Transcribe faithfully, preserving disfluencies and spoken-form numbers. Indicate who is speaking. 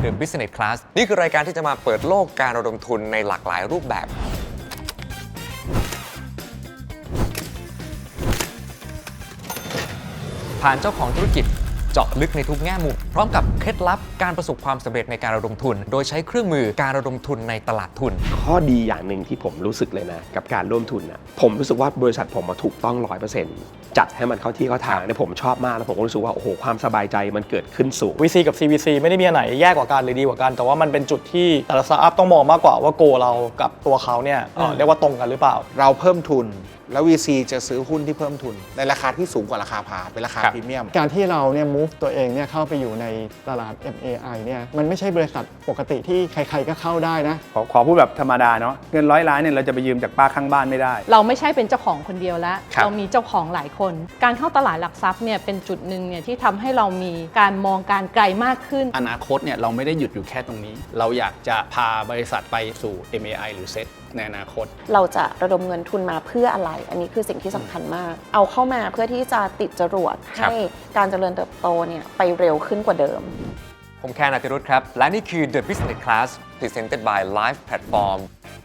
Speaker 1: The Business Class นี่คือรายการที่จะมาเปิดโลกการระดมทุนในหลากหลายรูปแบบผ่านเจ้าของธุรกิจเจาะลึกในทุกแง่มุมพร้อมกับเคล็ดลับการประสบความสำเร็จในการระดมทุนโดยใช้เครื่องมือการระดมทุนในตลาดทุน
Speaker 2: ข้อดีอย่างหนึ่งที่ผมรู้สึกเลยนะกับการร่วมทุนนะผมรู้สึกว่าบริษัทผมมาถูกต้อง ร้อยเปอร์เซ็นต์ จัดให้มันเข้าที่เข้าทางเนี่ยผมชอบมากแล้วผมก็รู้สึกว่าโอ้โหความสบายใจมันเกิดขึ้นสูง
Speaker 3: วี ซี กับ ซี วี ซี ไม่ได้มีอันไหนแย่กว่ากันหรือดีกว่ากันแต่ว่ามันเป็นจุดที่แต่ละสตาร์ทอัพต้องมองมากกว่าว่าโกเรากับตัวเขาเนี่ยเอ่อเรียกว่าตรงกันหรือเปล่า
Speaker 4: เราเพิ่มทุนแล้ว วี ซี จะซื้อหุ้นที่เพิ่มทุนในราคาที่สูงกว่าราคาพาเป็นราคาพรีเมียม
Speaker 5: การที่เราเนี่ย move ตัวเองเนี่ยเข้าไปอยู่ในตลาด เอ็ม เอ ไอ เนี่ยมันไม่ใช่บริษัทปกติที่ใครๆก็เข้าได้นะ
Speaker 6: ขอขอพูดแบบธรรมดาเนาะเงินร้อยล้านเนี่ยเราจะไปยืมจากป้าข้างบ้านไม่ได้
Speaker 7: เราไม่ใช่เป็นเจ้าของคนเดียวแล้วเรามีเจ้าของหลายคนการเข้าตลาดหลักทรัพย์เนี่ยเป็นจุดหนึ่งเนี่ยที่ทำให้เรามีการมองการไกลมากขึ้น
Speaker 8: อนาคตเนี่ยเราไม่ได้หยุดอยู่แค่ตรงนี้เราอยากจะพาบริษัทไปสู่ เอ็ม เอ ไอ หรือ เซ็ต ในอนาคต
Speaker 9: เราจะระดมเงินทุนมาเพื่ออะไรอันนี้คือสิ่งที่สำคัญมากเอาเข้ามาเพื่อที่จะติดจรวดให้การเจริญเติบโตเนี่ยไปเร็วขึ้นกว่าเดิม
Speaker 1: ผมแคน อติรุธครับและนี่คือ The Business Class Presented by Live Platform